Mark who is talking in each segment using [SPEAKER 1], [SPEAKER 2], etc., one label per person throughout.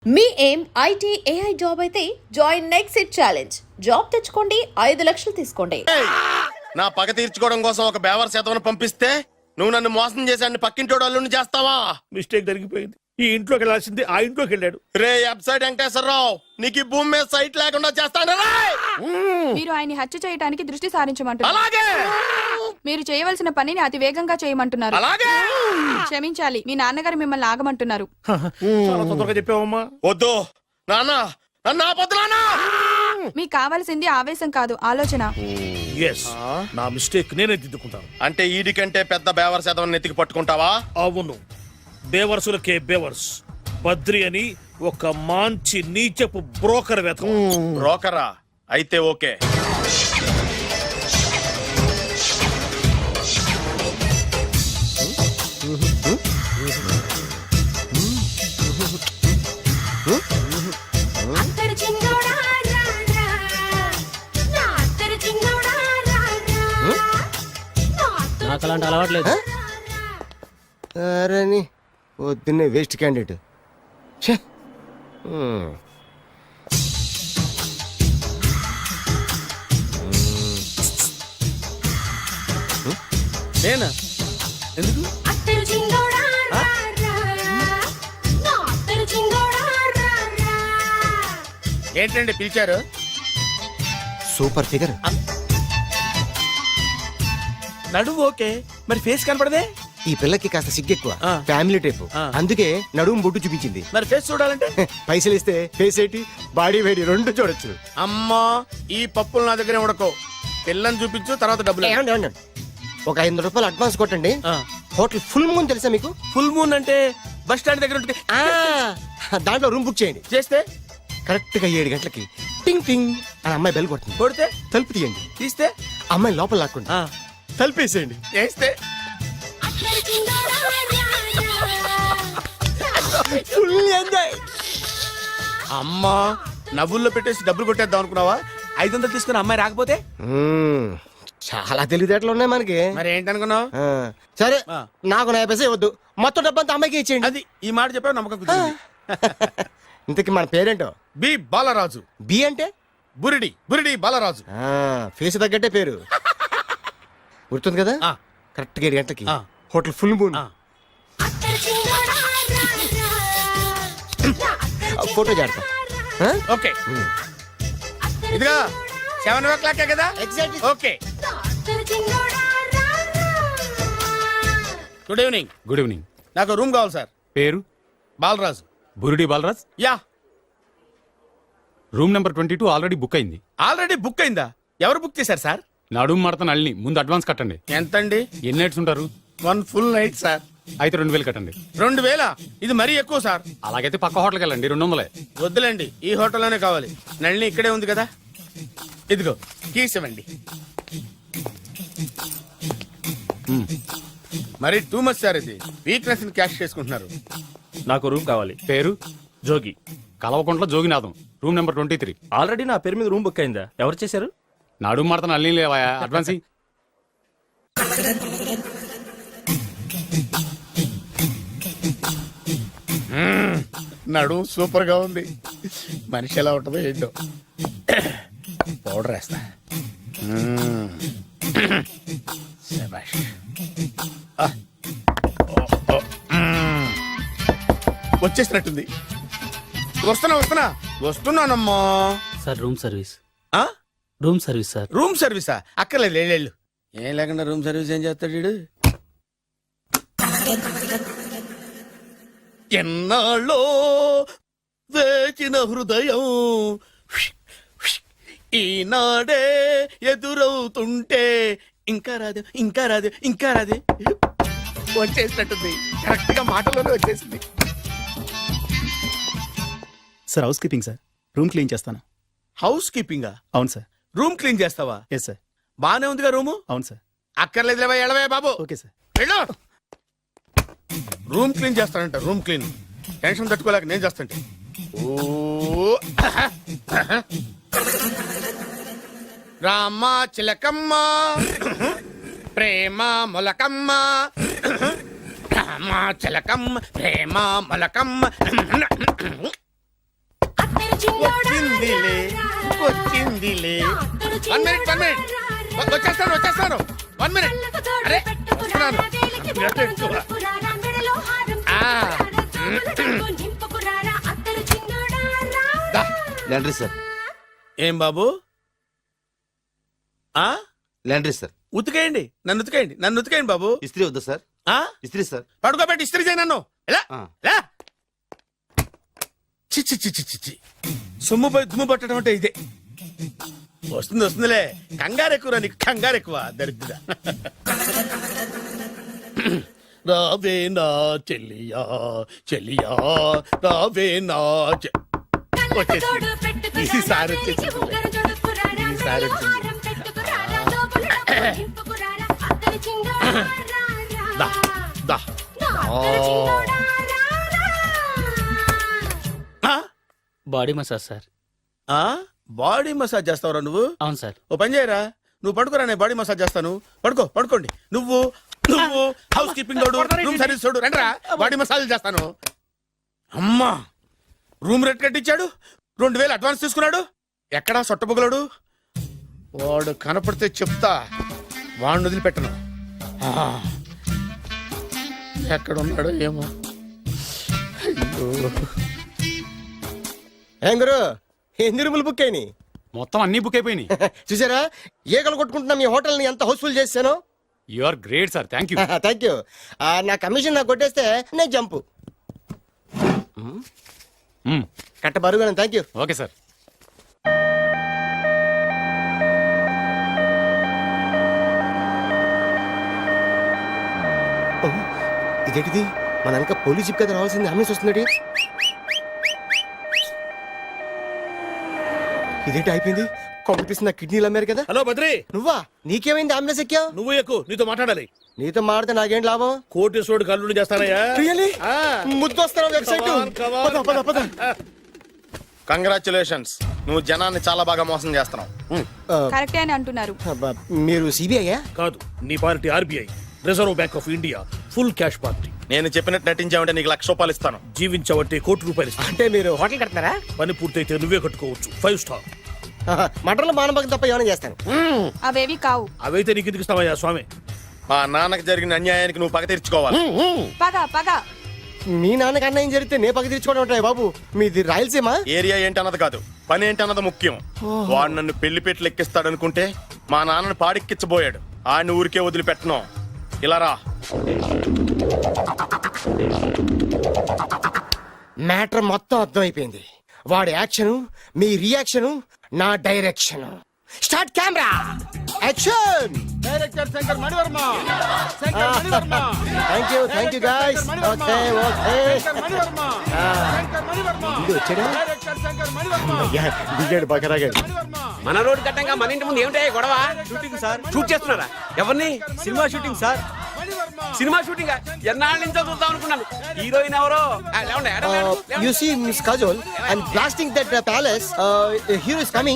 [SPEAKER 1] మీ ఏం IT AI job అయితే join next it challenge. Job తెచ్చుకోండి, 5 లక్షలు తీసుకోండి.
[SPEAKER 2] నా పగ తీర్చుకోవడం కోసం ఒక బేవర్ శాతం పంపిస్తే నువ్వు నన్ను మోసం చేశాన్ని పక్కింటోడు అల్లుని చేస్తావా?
[SPEAKER 3] మిస్టేక్ జరిగిపోయింది. ఈ ఇంట్లోకి వెళ్ళాల్సింది ఆ ఇంట్లోకి వెళ్ళాడు.
[SPEAKER 2] రే వెబ్సైట్ వెంకటేశ్వరరావు, నీకు ఈ భూమి మీద సైట్ లేకుండా చేస్తాను.
[SPEAKER 4] మీరు ఆయన్ని హత్య చేయడానికి దృష్టి సారించమంటున్నారు.
[SPEAKER 2] అలాగే
[SPEAKER 4] మీరు చేయవలసిన పనిని అతి వేగంగా చేయమంటున్నారు.
[SPEAKER 2] అలాగే
[SPEAKER 4] క్షమించాలి, మీ నాన్నగారు మిమ్మల్ని ఆగమంటున్నారు.
[SPEAKER 3] చాలా తొందరగా చెప్పావమ్మా.
[SPEAKER 2] వద్దు నాన్న, నన్ను ఆపొద్దు నాన్న.
[SPEAKER 4] మీకు కావాల్సింది ఆవేశం కాదు, ఆలోచన.
[SPEAKER 3] ఎస్, నా మిస్టేక్ నేనే దిద్దుకుంటాను.
[SPEAKER 2] అంటే ఈడి కంటే పెద్ద బేవర్ శాతం నెత్తికి పట్టుకుంటావా?
[SPEAKER 3] అవును, బేవర్సులకే బేవర్స్. బద్రి అని ఒక మంచి నీచపు బ్రోకర్ వెతకం.
[SPEAKER 2] బ్రోకరా? అయితే ఓకే.
[SPEAKER 5] నాకు అలాంటి అలవాట్లేదు.
[SPEAKER 6] అరే పొద్దున్నే వేస్ట్ క్యాండిడేట్.
[SPEAKER 5] నేనా? ఎందుకు?
[SPEAKER 2] ఏంటండి పిలిచారు?
[SPEAKER 6] Super figure.
[SPEAKER 5] నడువు ఓకే, మరి ఫేస్ కనపడదే.
[SPEAKER 6] ఈ పిల్లకి కాస్త సిగ్గెక్కువ,
[SPEAKER 5] ఆ.
[SPEAKER 6] Family type.
[SPEAKER 5] ఆ.
[SPEAKER 6] అందుకే నడుము బొట్టు చూపించింది.
[SPEAKER 5] మరి ఫేస్ చూడాలంటే
[SPEAKER 6] పైసలు ఇస్తే ఫేస్ ఏంటి, బాడీ వేడి రెండు చూడొచ్చు.
[SPEAKER 2] అమ్మా, ఈ పప్పులు నా దగ్గర ఉడకో. పిల్లని చూపించు, తర్వాత డబ్బులు.
[SPEAKER 6] ఏమండి, ఏమండి, ఒక 500 రూపాయలు అడ్వాన్స్ కొట్టండి. హోటల్ ఫుల్ మూన్ తెలుసా మీకు?
[SPEAKER 5] ఫుల్ మూన్ అంటే బస్ స్టాండ్ దగ్గర ఉంటుంది.
[SPEAKER 6] దాంట్లో రూమ్ బుక్ చేయండి.
[SPEAKER 5] చేస్తే
[SPEAKER 6] కరెక్ట్ గా 7 గంటలకి టింగ్ టింగ్ అని అమ్మాయి బెల్ కొడుతుంది.
[SPEAKER 5] కొడితే
[SPEAKER 6] తలుపు తీయండి.
[SPEAKER 5] తీస్తే
[SPEAKER 6] అమ్మాయి లోపల లాక్కుంటా తలుపేసేయండి.
[SPEAKER 5] చేస్తే
[SPEAKER 6] ఫుల్ ఎంజాయ్.
[SPEAKER 5] అమ్మా, నవ్వుల్లో పెట్టేసి డబ్బులు కొట్టేద్దాం అనుకున్నావా? 500 తీసుకుని అమ్మాయి రాకపోతే
[SPEAKER 6] చాలా తెలివితేటలు ఉన్నాయి మనకి.
[SPEAKER 5] మరి ఏంటనుకున్నావు?
[SPEAKER 6] సరే,
[SPEAKER 5] ఆ.
[SPEAKER 6] నాకు 50 పైసే వద్దు, మొత్తం డబ్బంతా అమ్మాయికి ఇచ్చేయండి.
[SPEAKER 5] అది ఈ మాట చెప్పావు, నమ్మకం కుదిరింది.
[SPEAKER 6] ఇంతకి మన పేరేంటో?
[SPEAKER 2] బి బాలరాజు.
[SPEAKER 6] బి అంటే
[SPEAKER 2] బురిడి బురిడి బాలరాజు.
[SPEAKER 6] ఫేస్ తగ్గట్టే పేరు. గుర్తుంది కదా?
[SPEAKER 5] ఆ.
[SPEAKER 6] కరెక్ట్ గా 7 గంటలకి
[SPEAKER 5] ఆ.
[SPEAKER 6] Hotel full moon.
[SPEAKER 5] ఆ.
[SPEAKER 6] ఫోటో చేడతా.
[SPEAKER 5] ఓకే, ఇదిగా 7 o'clock కదా?
[SPEAKER 6] Exactly.
[SPEAKER 5] Okay. Good evening.
[SPEAKER 7] Good evening.
[SPEAKER 5] నాకు రూమ్ కావాలి సార్.
[SPEAKER 7] పేరు?
[SPEAKER 5] Balaraju.
[SPEAKER 7] Burudi Balaraj.
[SPEAKER 5] Yeah.
[SPEAKER 7] Room number 22 already book అయింది.
[SPEAKER 5] ఆల్రెడీ బుక్ అయిందా? ఎవరు బుక్ చేశారు సార్?
[SPEAKER 7] నడుము మడత నల్ని. ముందు అడ్వాన్స్ కట్టండి.
[SPEAKER 5] ఎంతండి?
[SPEAKER 7] ఎన్ని నైట్స్ ఉంటారు?
[SPEAKER 5] 1 full night సార్.
[SPEAKER 7] అయితే 2000 కట్టండి.
[SPEAKER 5] 2000? ఇది మరీ ఎక్కువ సార్.
[SPEAKER 7] అలాగైతే పక్క హోటల్కి వెళ్ళండి, 200.
[SPEAKER 5] వద్దులేండి, ఈ హోటల్లోనే కావాలి. నళిని ఇక్కడే ఉంది కదా. ఇదిగో కీస్ ఇవ్వండి. మరి టూ మచ్ సార్, ఇది వీక్నెస్ ని క్యాష్ చేసుకుంటున్నారు.
[SPEAKER 8] నాకు రూమ్ కావాలి.
[SPEAKER 7] పేరు?
[SPEAKER 8] Jogi.
[SPEAKER 7] Kalvakuntla Joginatham. Room number 23.
[SPEAKER 8] Already నా పేరు మీద రూమ్ బుక్ అయిందా? ఎవరు చేశారు?
[SPEAKER 7] నడుము మడత నల్ని లేవా? అడ్వాన్స్ ఇయ్యి.
[SPEAKER 5] నడు సూపర్ గా ఉంది. మనిషి ఎలా ఉంటుందో ఏంటో. పౌడర్ వేస్తా. శభాష్. వచ్చేసినట్టుంది. వస్తున్నానమ్మా.
[SPEAKER 8] Sir room service.
[SPEAKER 5] ఆ?
[SPEAKER 8] Room service sir.
[SPEAKER 5] రూమ్ సర్వీసా? అక్కర్లేదు, లేళ్ళు. ఏం లేకుండా రూమ్ సర్వీస్ ఏం చేస్తాడు వీడు? ఎన్నాళ్ళో వేచిన హృదయం ఈనాడే ఎదురవుతుంటే ఇంకా రాదు, ఇంకా రాదు, ఇంకా రాదు. వచ్చేసినట్టుంది. కరెక్ట్ గా మాటలోనే వచ్చేసింది.
[SPEAKER 9] Sir housekeeping sir. Room clean చేస్తాను.
[SPEAKER 5] హౌస్ కీపింగా?
[SPEAKER 9] అవును సార్.
[SPEAKER 5] రూమ్ క్లీన్ చేస్తావా?
[SPEAKER 9] Yes sir.
[SPEAKER 5] బానే ఉందిగా రూము?
[SPEAKER 9] అవును సార్.
[SPEAKER 5] అక్కర్లేదు, ఎడవే బాబు.
[SPEAKER 9] Okay sir.
[SPEAKER 5] వెళ్ళు. రూమ్ క్లీన్ చేస్తానంట. రూమ్ క్లీన్ టెన్షన్ తట్టుకోలేక నేను చేస్తాంటే. ఓ రామ చిలకమ్మ ప్రేమ మొలకమ్మ రామ చిలకమ్మ ప్రేమ మొలకమ్మ వచ్చిందిలే వచ్చిందిలే. 1 minute, 1 minute. వచ్చేస్తాను 1 minute. అరే వస్తున్నాను. దా.
[SPEAKER 6] లాండ్రీ సార్,
[SPEAKER 5] ఏం బాబు ఆ
[SPEAKER 6] లాండ్రీ సార్.
[SPEAKER 5] ఉతికేయండి, నన్ను ఉతికేయండి బాబు.
[SPEAKER 6] ఇస్త్రీ వద్దా సార్?
[SPEAKER 5] ఆ
[SPEAKER 6] ఇస్త్రీ సార్.
[SPEAKER 5] పడుకోబెట్టి ఇస్త్రీ చేయి నన్ను. ఎలా
[SPEAKER 6] ఆ.
[SPEAKER 5] ఎలా చిచ్చి చిచ్చి చిచ్చి సొమ్ము పోయి దుమ్ము పట్టడం అంటే ఇదే. వస్తుందిలే, కంగారు ఎక్కువ నీకు, కంగారు ఎక్కువ దరిద్ర. రావే నా చెల్లియా చెల్లియా రావే నా వచ్చేసి ఈసారి వచ్చేసి ఈసారి వచ్చింది. దా దా ఆ?
[SPEAKER 8] Body massage sir.
[SPEAKER 5] ఆ? బాడీ మసాజ్ చేస్తావురా నువ్వు?
[SPEAKER 8] అవును సార్.
[SPEAKER 5] ఓ పని చేయరా, నువ్వు పడుకోరా, నేను బాడీ మసాజ్ చేస్తాను. పడుకోండి. నువ్వు హౌస్ కీపింగ్ తోడు, రూమ్ సర్వీస్ తోడు, రండిరా బాడీ మసాజ్ చేస్తాను. అమ్మా, రూమ్ రేట్ కట్టించాడు, 2000 అడ్వాన్స్ తీసుకున్నాడు. ఎక్కడా సొట్టబుగలాడు? వాడు కనపడితే చెప్తా, వాడిని వదిలిపెట్టను. ఆ, ఎక్కడున్నాడో ఏమో. అయ్యో.
[SPEAKER 6] ఏం గురు, ఎన్ని రూములు బుక్ అయినాయి?
[SPEAKER 7] మొత్తం అన్ని బుక్ అయిపోయినాయి.
[SPEAKER 6] చూసారా, ఈగలు కొట్టుకుంటున్నా మీ హోటల్ ని ఎంత హౌస్ఫుల్ చేశాను.
[SPEAKER 7] You are great sir, thank you.
[SPEAKER 6] Thank you. నా కమిషన్ నాకు కొట్టేస్తే నేను జంపు కట్ట బరువు. Thank you.
[SPEAKER 7] Okay sir.
[SPEAKER 6] ఇదేంటిది, మన వెనక పోలీస్ జిప్ కదా రావాల్సింది, అంబులెన్స్ వస్తుంది. ఇదేంటి అయిపోయింది, కాంపిటీషన్ నా కిడ్నీలు అమ్మారు కదా.
[SPEAKER 3] హలో బద్రి,
[SPEAKER 6] నువ్వా? నీకేమైంది, అంబులెన్స్ ఎక్కావు?
[SPEAKER 3] నువ్వు ఎక్కువ, నీతో మాట్లాడాలి.
[SPEAKER 6] నీతో మాడితే నాకేం లాభం?
[SPEAKER 3] కోటేశ్వరుడు కల్లుని చేస్తానయ్యా.
[SPEAKER 6] Really?
[SPEAKER 3] ఆ.
[SPEAKER 6] ముద్దు వస్తారా వెబ్సైట్?
[SPEAKER 3] Come on.
[SPEAKER 6] పద.
[SPEAKER 2] కంగ్రాచులేషన్స్, నువ్వు జనాన్ని చాలా బాగా మోసం చేస్తున్నావు.
[SPEAKER 4] కరెక్టే అని అంటున్నారు.
[SPEAKER 6] మీరు సిబిఐయా?
[SPEAKER 3] కాదు, నీ party RBI, reserve bank of India, full cash party.
[SPEAKER 2] నేను చెప్పినట్టు నటించావంటే నీకు ₹1,00,000 ఇస్తాను.
[SPEAKER 3] జీవించవంటే ₹1,00,00,000 ఇస్తాను.
[SPEAKER 6] అంటే మీరు హోటల్ కడతారా?
[SPEAKER 3] పని పూర్తయితే నువ్వే కట్టుకోవచ్చు, 5 స్టార్.
[SPEAKER 6] మటన్లో మానభంగం తప్ప ఏమైనా చేస్తాను.
[SPEAKER 4] అవేవి కావు.
[SPEAKER 3] అవైతే నీకు ఎందుకు ఇస్తావయ్యా స్వామి?
[SPEAKER 2] మా నాన్నకి జరిగిన అన్యాయానికి నువ్వు పగ తీర్చుకోవాలి.
[SPEAKER 4] పగ
[SPEAKER 6] మీ నాన్నకి అన్యాయం జరిగితే నే పక్క తీర్చుకోవడం ఉంటాయి బాబు. మీది రాయలసీమ.
[SPEAKER 2] ఏరియా ఏంటన్నది కాదు, పని ఏంటన్నది ముఖ్యం. వాడు నన్ను పెళ్లి పెట్లు ఎక్కిస్తాడనుకుంటే మా నాన్నని పాడిక్కిచ్చబోయాడు. ఆయన ఊరికే వదిలిపెట్టను. ఇలా రా.
[SPEAKER 6] మ్యాటర్ మొత్తం అర్థమైపోయింది. వాడి యాక్షన్, మీ రియాక్షన్, నా direction. Start camera, action.
[SPEAKER 5] Director Shankar Manivarma.
[SPEAKER 6] Thank you guys. Okay ఇది వచ్చాడా? అయ్యా, దిగాడు బకరాగాడు.
[SPEAKER 10] మన రోడ్డు కట్టంగా మన ఇంటి ముందు ఏమిటాయి గొడవ? Shooting sir. షూట్ చేస్తున్నారా? ఎవరిని? Cinema shooting sir. Cinema shooting ఎన్నాళ్ళ నుంచో చూద్దాం అనుకున్నాను. హీరోయిన్ ఎవరో?
[SPEAKER 6] You see Miss Kajol and blasting that palace. Hero is coming.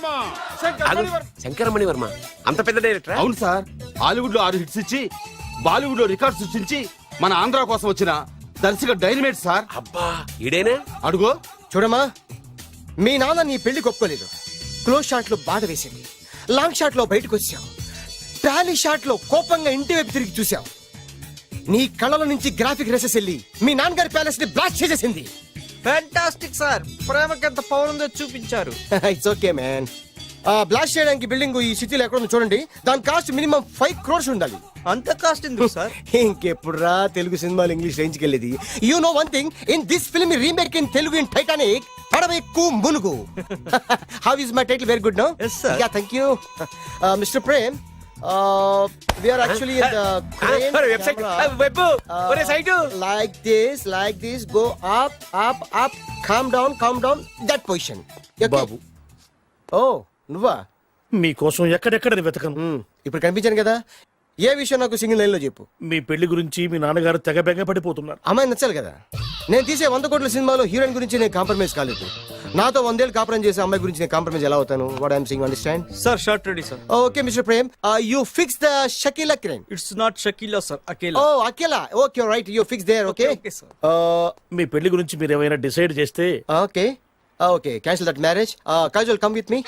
[SPEAKER 10] Shankara Mani Varma అంత పెద్ద డైరెక్టర్?
[SPEAKER 5] అవును సార్, హాలీవుడ్ లో 6 హిట్స్ ఇచ్చి బాలీవుడ్ లో రికార్డ్ సృష్టించి మన ఆంధ్ర కోసం వచ్చిన దర్శక డైనమేట్ సార్.
[SPEAKER 10] అబ్బా, ఈడేనా?
[SPEAKER 5] అడుగో.
[SPEAKER 6] చూడమ్మా, మీ నాన్న నీ పెళ్లి ఒప్పుకోలేదు. క్లోజ్ షాట్ లో బాధ వేసింది, లాంగ్ షాట్ లో బయటకు వచ్చావు, టాలీ షాట్ లో కోపంగా ఇంటి వైపు తిరిగి చూసావు. నీ కళ్ళలో నుంచి గ్రాఫిక్ రెసెస్ వెళ్ళి మీ నాన్నగారి ప్యాలెస్ ని బ్లాస్ట్ చేసేసింది.
[SPEAKER 11] ఫ్యాంటాస్టిక్ సార్, ప్రేమకి ఎంత పవర్ ఉందో చూపించారు.
[SPEAKER 6] It's okay man. బ్లాస్ట్ చేయడానికి బిల్డింగ్ ఈ సిటీలో ఎక్కడ ఉందో చూడండి. దాని కాస్ట్ మినిమం 5 crores ఉండాలి.
[SPEAKER 11] అంత కాస్ట్ ఎందుకు సార్?
[SPEAKER 6] ఇంకెప్పుడురా తెలుగు సినిమాలు ఇంగ్లీష్ రేంజ్ కి వెళ్ళేది. You know one thing, in this film remake in Telugu in Titanic, పడవెక్కు మునుగు. How is my title? Very good no?
[SPEAKER 11] Yes, sir.
[SPEAKER 6] Yeah, thank you. Mister Prem, we are actually in the crane
[SPEAKER 10] website
[SPEAKER 6] camera.
[SPEAKER 10] Web ఒరే site.
[SPEAKER 6] like this, go up, calm down, that position. Okay?
[SPEAKER 3] బాబు,
[SPEAKER 6] Oh, నువ్వా?
[SPEAKER 3] మీకోసం ఎక్కడెక్కడ వెతకను.
[SPEAKER 6] ఇప్పుడు కనిపించాను కదా. ఏ విషయం నాకు single line లో చెప్పు.
[SPEAKER 3] మీ పెళ్లి గురించి మీ నాన్నగారు తెగ బెంగ పడిపోతున్నారు.
[SPEAKER 6] అమ్మాయి నచ్చాలి కదా. నేను తీసే 100 కోట్ల సినిమాలో హీరోయిన్ గురించి నేను కాంప్రమైజ్ కాలేదు. నాతో 100 ఏళ్ళు కాపురం చేసే అమ్మాయి గురించి నేను కాంప్రమైజ్ ఎలా అవుతాను? What I'm saying, understand?
[SPEAKER 11] Sir shot ready sir.
[SPEAKER 6] Okay mister Prem, you fix the Shakeela crane.
[SPEAKER 11] It's not Shakeela sir, Akela.
[SPEAKER 6] Oh Akela, okay right, you fix there. Okay
[SPEAKER 11] Okay, sir.
[SPEAKER 3] మీ పెళ్లి గురించి మీరు ఏమైనా డిసైడ్ చేస్తే
[SPEAKER 6] okay. Okay cancel that marriage Kajal come with me.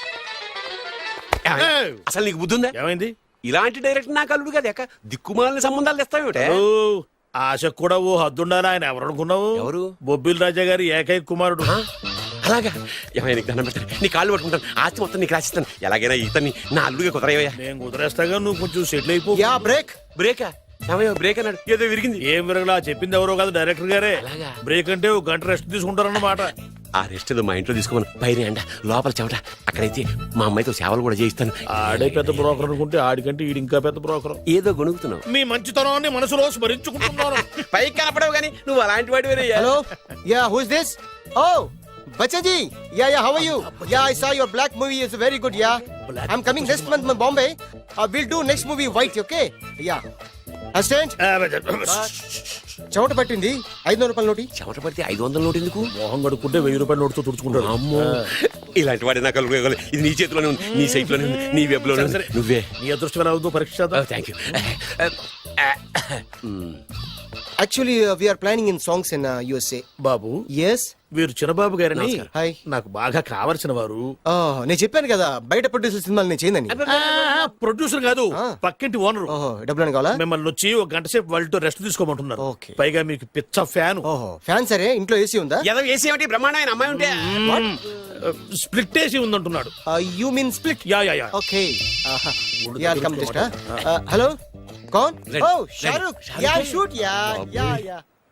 [SPEAKER 10] అసలు నీకు బుద్ధి ఉందా?
[SPEAKER 2] ఏమైంది?
[SPEAKER 10] ఇలాంటి డైరెక్టర్ నాకు అల్లుడు కదా ఎక్క దిక్కుమాలిన సంబంధాలు తెస్తావేమిటే?
[SPEAKER 3] ఓ, ఆశకు కూడా ఓ హద్దుండాలి. ఆయన ఎవరు అనుకున్నావు?
[SPEAKER 10] ఎవరు?
[SPEAKER 3] బొబ్బిల్ రాజా గారి ఏకైక కుమారుడు.
[SPEAKER 10] అలాగా? ఏమైనా నీకు దండం పెడతాను, నీ కాళ్ళు పట్టుకుంటాను, ఆస్తి మొత్తం నీకు రాసిస్తాను. ఎలాగైనా ఇతన్ని నా అల్లుడిగా కుదరయ్యా.
[SPEAKER 3] నేను కుదిరేస్తాగా, నువ్వు కొంచెం సెటిల్ అయిపో.
[SPEAKER 6] Yeah break.
[SPEAKER 10] బ్రేకా? ఏమయ్యో బ్రేక్ అన్నాడు, ఏదో విరిగింది.
[SPEAKER 3] ఏం విరగలా, చెప్పింది ఎవరో కాదు, డైరెక్టర్ గారే.
[SPEAKER 10] అలాగా?
[SPEAKER 3] బ్రేక్ అంటే ఒక గంట రెస్ట్ తీసుకుంటారన్నమాట.
[SPEAKER 10] ఆ రెస్ట్ ఏదో మా ఇంట్లో తీసుకోమను. పైన ఎండ, లోపల చెమట. అక్కడైతే మా అమ్మాయితో సేవలు కూడా చేయిస్తాను.
[SPEAKER 3] ఆడే పెద్ద బ్రోకర్ అనుకుంటే ఆడికంటే ఈడు ఇంకా పెద్ద బ్రోకర్.
[SPEAKER 10] ఏదో గొణుగుతున్నావు.
[SPEAKER 3] మీ మంచితనాన్ని మనసులో స్మరించుకుంటున్నాను.
[SPEAKER 10] పైకి కనపడవు కానీ నువ్వు అలాంటి వాడి వేరే.
[SPEAKER 6] Hello yeah who is this? Oh బచ్చజీ. Yeah how are you? Yeah I saw your black movie is very good. Yeah I am coming next month Bombay. Will do next movie white. Okay yeah assistant. చెమట పట్టింది. 500 రూపాయల నోటి.
[SPEAKER 10] చెమట పడితే 500 note ఎందుకు?
[SPEAKER 3] మొహం కడుక్కుంటే 1000 రూపాయల నోటుతో తుడుచుకుంటాడు.
[SPEAKER 10] అమ్మో, ఇలాంటి వాడి నాకు అల్లుడు. ఇది నీ చేతిలోనే ఉంది, నీ సైట్ లోనే ఉంది, నీ వెబ్ లోనే ఉంది. నువ్వే.
[SPEAKER 3] నీ అదృష్టం ఎలా ఉందో పరీక్ష చేద్దాం.
[SPEAKER 10] Thank you.
[SPEAKER 6] Actually we are planning in songs in USA.
[SPEAKER 3] బాబు,
[SPEAKER 6] ఎస్.
[SPEAKER 3] వీరు చిన్నబాబు గారని
[SPEAKER 6] హాయ్.
[SPEAKER 3] నాకు బాగా కావలసిన వారు.
[SPEAKER 6] నేను చెప్పాను కదా బయట ప్రొడ్యూసర్ సినిమాలు నేను చేయదని.
[SPEAKER 3] ప్రొడ్యూసర్ కాదు,
[SPEAKER 6] ఆ.
[SPEAKER 3] పక్కింటి ఓనరు.
[SPEAKER 6] ఓహో డబ్బులు కావాలా?
[SPEAKER 3] మిమ్మల్ని వచ్చి ఒక గంట సేపు వాళ్ళతో రెస్ట్ తీసుకోమంటున్నారు.
[SPEAKER 6] ఓకే.
[SPEAKER 3] పైగా మీకు పిచ్చ ఫ్యాన్.
[SPEAKER 6] ఓహో ఫ్యాన్ సరే. ఇంట్లో ఏసీ ఉందా?
[SPEAKER 10] ఏదో వేసి ఏమిటి బ్రహ్మాండమైన అమ్మాయి ఉంటే
[SPEAKER 3] స్ప్లిట్ వేసి ఉందంటున్నాడు.
[SPEAKER 6] You mean split?
[SPEAKER 3] Yeah yeah yeah.
[SPEAKER 6] Okay yeah come just. Hello కౌన్? Oh Shahrukh. Yeah shoot. Yeah yeah yeah